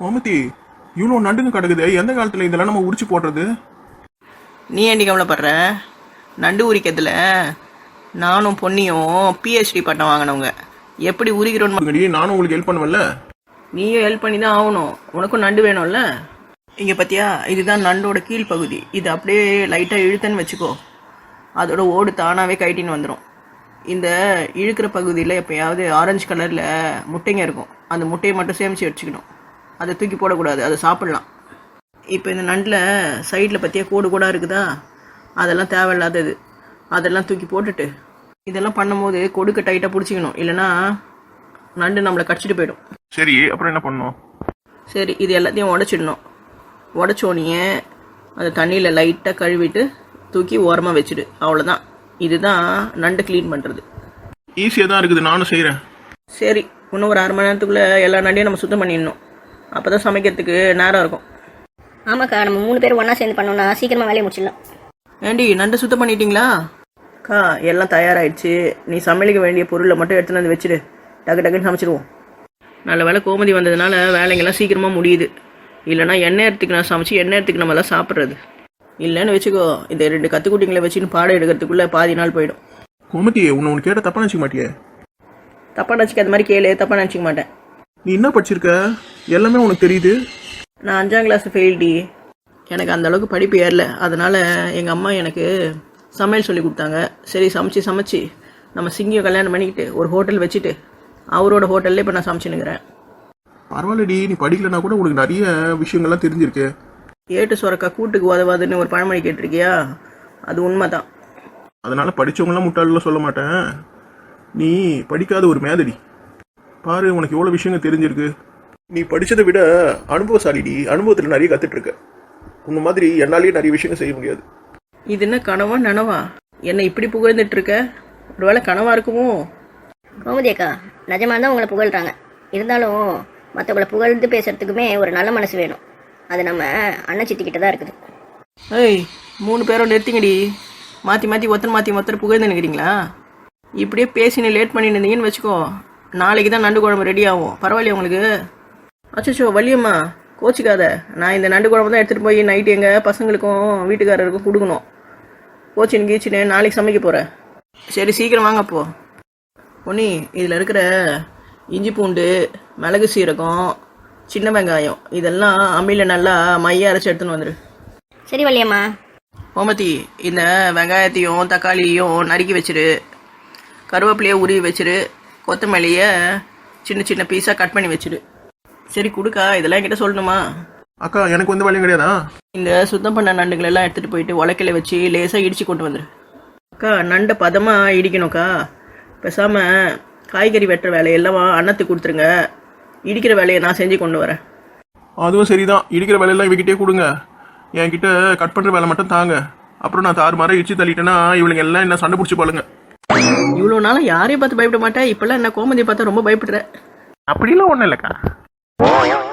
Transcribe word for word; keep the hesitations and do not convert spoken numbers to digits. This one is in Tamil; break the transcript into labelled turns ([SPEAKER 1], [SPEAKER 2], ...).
[SPEAKER 1] கோமதி, இவ்வளோ நண்டுங்க கிடக்குது. எந்த காலத்தில் இதெல்லாம் நம்ம உரிச்சு போடுறது?
[SPEAKER 2] நீ ஏண்டி கவலைப்படுற? நண்டு உரிக்கிறதுல நானும் பொன்னியும் பிஹெச்டி பட்டம் வாங்கினவங்க. எப்படி உரிக்கிறோன்னு
[SPEAKER 1] இங்கடி, நானும் உங்களுக்கு ஹெல்ப் பண்ணுவேன்ல.
[SPEAKER 2] நீயும் ஹெல்ப் பண்ணி தான் ஆகணும். உனக்கும் நண்டு வேணும்ல. இங்கே பார்த்தியா, இதுதான் நண்டோட கீழ்ப்பகுதி. இது அப்படியே லைட்டாக இழுத்தன்னு வச்சுக்கோ, அதோட ஓடு தானாகவே கைட்டின்னு வந்துடும். இந்த இழுக்கிற பகுதியில் எப்போயாவது ஆரஞ்சு கலரில் முட்டைங்க இருக்கும். அந்த முட்டையை மட்டும் சேமித்து வச்சுக்கணும். அதை தூக்கி போடக்கூடாது, அதை சாப்பிட்லாம். இப்போ இந்த நண்டில் சைடில் பற்றியா கோடு கூட இருக்குதா, அதெல்லாம் தேவையில்லாதது. அதெல்லாம் தூக்கி போட்டுட்டு இதெல்லாம் பண்ணும்போது கொடுக்க டைட்டாக பிடிச்சிக்கணும், இல்லைன்னா நண்டு நம்மளை கடிச்சிட்டு போயிடும்.
[SPEAKER 1] சரி, அப்புறம் என்ன பண்ணணும்?
[SPEAKER 2] சரி, இது எல்லாத்தையும் உடச்சிடணும். உடச்சோனியே அதை தண்ணியில் லைட்டாக கழுவிட்டு தூக்கி ஓரமாக வச்சுடு. அவ்வளோதான். இதுதான் நண்டு க்ளீன் பண்ணுறது.
[SPEAKER 1] ஈஸியாக தான் இருக்குது, நானும் செய்கிறேன்.
[SPEAKER 2] சரி, இன்னும் ஒரு அரை மணி நேரத்துக்குள்ளே எல்லா நண்டையும் நம்ம சுத்தம் பண்ணிடணும். அப்போ தான் சமைக்கிறதுக்கு நேரம் இருக்கும்.
[SPEAKER 3] ஆமாக்கா, நம்ம மூணு பேர் ஒன்றா சேர்ந்து பண்ணோம்னா சீக்கிரமாக வேலையை முடிச்சிடலாம்.
[SPEAKER 2] ஏண்டி, நண்டு சுத்தம் பண்ணிட்டீங்களா? அக்கா, எல்லாம் தயாராகிடுச்சு. நீ சமையலுக்கு வேண்டிய பொருளை மட்டும் எடுத்துன்னு வந்து வச்சுடு. டக்கு டக்குன்னு சமைச்சிடுவோம். நல்ல வேலை கோமதி வந்ததுனால வேலைங்கெல்லாம் சீக்கிரமாக முடியுது. இல்லைனா எண்ணெய் நேரத்துக்கு நான் சமைச்சு எண்ணெய் நேரத்துக்கு நம்ம எல்லாம் சாப்பிட்றது. இல்லைன்னு வச்சுக்கோ, இந்த ரெண்டு கற்றுக்குட்டிங்களை வச்சுன்னு பாடம் எடுக்கிறதுக்குள்ளே பாதி நாள் போயிடும்.
[SPEAKER 1] கோமதி, உன்னை உனக்கு கேட்ட தப்பாக நினச்சிக்க மாட்டியே?
[SPEAKER 2] தப்பாக நினச்சிக்க அது மாதிரி கேளு. தப்பாக நினச்சிக்க மாட்டேன்.
[SPEAKER 1] நீ என்ன படிச்சிருக்க? எல்லாமே உனக்கு தெரியுது.
[SPEAKER 2] நான் அஞ்சாம் கிளாஸ் ஃபெயில்டி. எனக்கு அந்த அளவுக்கு படிப்பு ஏறல. அதனால் எங்கள் அம்மா எனக்கு சமையல் சொல்லி கொடுத்தாங்க. சரி, சமைச்சு சமைச்சு நம்ம சிங்கியை கல்யாணம் பண்ணிக்கிட்டு ஒரு ஹோட்டல் வச்சுட்டு அவரோட ஹோட்டல்லே இப்போ நான் சமைச்சுன்னுக்கிறேன்.
[SPEAKER 1] பரவாயில்லடி, நீ படிக்கலனா கூட உனக்கு நிறைய விஷயங்கள்லாம் தெரிஞ்சிருக்கு.
[SPEAKER 2] ஏட்டு சுரக்கா கூட்டுக்கு உதவாதுன்னு ஒரு பழமொழி கேட்டிருக்கியா? அது உண்மை தான்.
[SPEAKER 1] அதனால் படித்தவங்களாம் முட்டாளெலாம் சொல்ல மாட்டேன். நீ படிக்காத ஒரு மேதடி. பாரு, உனக்கு எவ்வளோ விஷயங்கள் தெரிஞ்சிருக்கு. நீ படித்ததை விட அனுபவசாலிடி. அனுபவத்தில் நிறைய கற்றுட்ருக்க. உன்ன மாதிரி என்னாலேயே நிறைய விஷயங்கள் செய்ய முடியாது.
[SPEAKER 2] இது என்ன கனவா நனவா? என்னை இப்படி புகழ்ந்துட்டு இருக்க? ஒரு வேளை கனவா இருக்குமோ?
[SPEAKER 3] கோமதி அக்கா, நிஜமாக தான் உங்களை புகழ்கிறாங்க. இருந்தாலும் மற்றவங்களை புகழ்ந்து பேசுறதுக்குமே ஒரு நல்ல மனசு வேணும். அது நம்ம அண்ணன் சித்திக்கிட்ட தான் இருக்குது.
[SPEAKER 2] ஏய், மூணு பேரும் நிறுத்திங்கடி. மாற்றி மாற்றி ஒருத்தர் மாற்றி ஒருத்தர் புகழ்ந்து நினைக்கிறீங்களா? இப்படியே பேசினு லேட் பண்ணி இருந்தீங்கன்னு வச்சுக்கோ, நாளைக்கு தான் நண்டு குழம்பு ரெடி ஆகும். பரவாயில்லையா உங்களுக்கு? அச்சோ வள்ளியம்மா, கோச்சிக்காத. நான் இந்த நண்டு குழம்பு தான் எடுத்துகிட்டு போய் நைட்டு எங்கள் பசங்களுக்கும் வீட்டுக்காரருக்கும் கொடுக்கணும். கோச்சின் கீச்சின்னு நாளைக்கு சமைக்க போகிறேன். சரி, சீக்கிரம் வாங்கப்போ. பொன்னி, இதில் இருக்கிற இஞ்சி பூண்டு, மிளகு சீரகம், சின்ன வெங்காயம் இதெல்லாம் அம்மியில் நல்லா மைய அரைச்சி எடுத்துன்னு வந்துடு.
[SPEAKER 3] சரி வள்ளியம்மா.
[SPEAKER 2] கோமதி, இந்த வெங்காயத்தையும் தக்காளியையும் நறுக்கி வச்சிரு. கருவேப்பிலையை உருவி வச்சிரு. கொத்தமல்லியை சின்ன சின்ன பீஸாக கட் பண்ணி வச்சிரு. சரி கொடுக்கா, இதெல்லாம் என்கிட்ட சொல்லணுமா?
[SPEAKER 1] அக்கா, எனக்கு வந்து வேலையும் கிடையாதா?
[SPEAKER 2] இந்த சுத்தம் பண்ண நண்டுகள் எல்லாம் எடுத்துகிட்டு போயிட்டு உலக்கையில வச்சு லேசாக இடித்து கொண்டு வந்துடு. அக்கா, நண்டை பதமாக இடிக்கணும்க்கா. பேசாமல் காய்கறி வெட்டுற வேலையெல்லாம் அன்னத்துக்கு கொடுத்துருங்க. இடிக்கிற வேலையை நான் செஞ்சு கொண்டு வரேன்.
[SPEAKER 1] அதுவும் சரிதான். இடிக்கிற வேலையெல்லாம் இவகிட்டே கொடுங்க. என்கிட்ட கட் பண்ணுற வேலை மட்டும் தாங்க. அப்புறம் நான் தாறு மாற இடிச்சு தள்ளிட்டேன்னா இவளுங்க எல்லாம் என்ன சண்டை பிடிச்சி பாருங்க.
[SPEAKER 2] இவ்வளோ நாளும் யாரையும் பார்த்து பயப்பட மாட்டேன். இப்போல்லாம் என்ன கோமதியை பார்த்தா ரொம்ப பயப்படுற?
[SPEAKER 1] அப்படிலாம் ஒன்றும் இல்லைக்கா.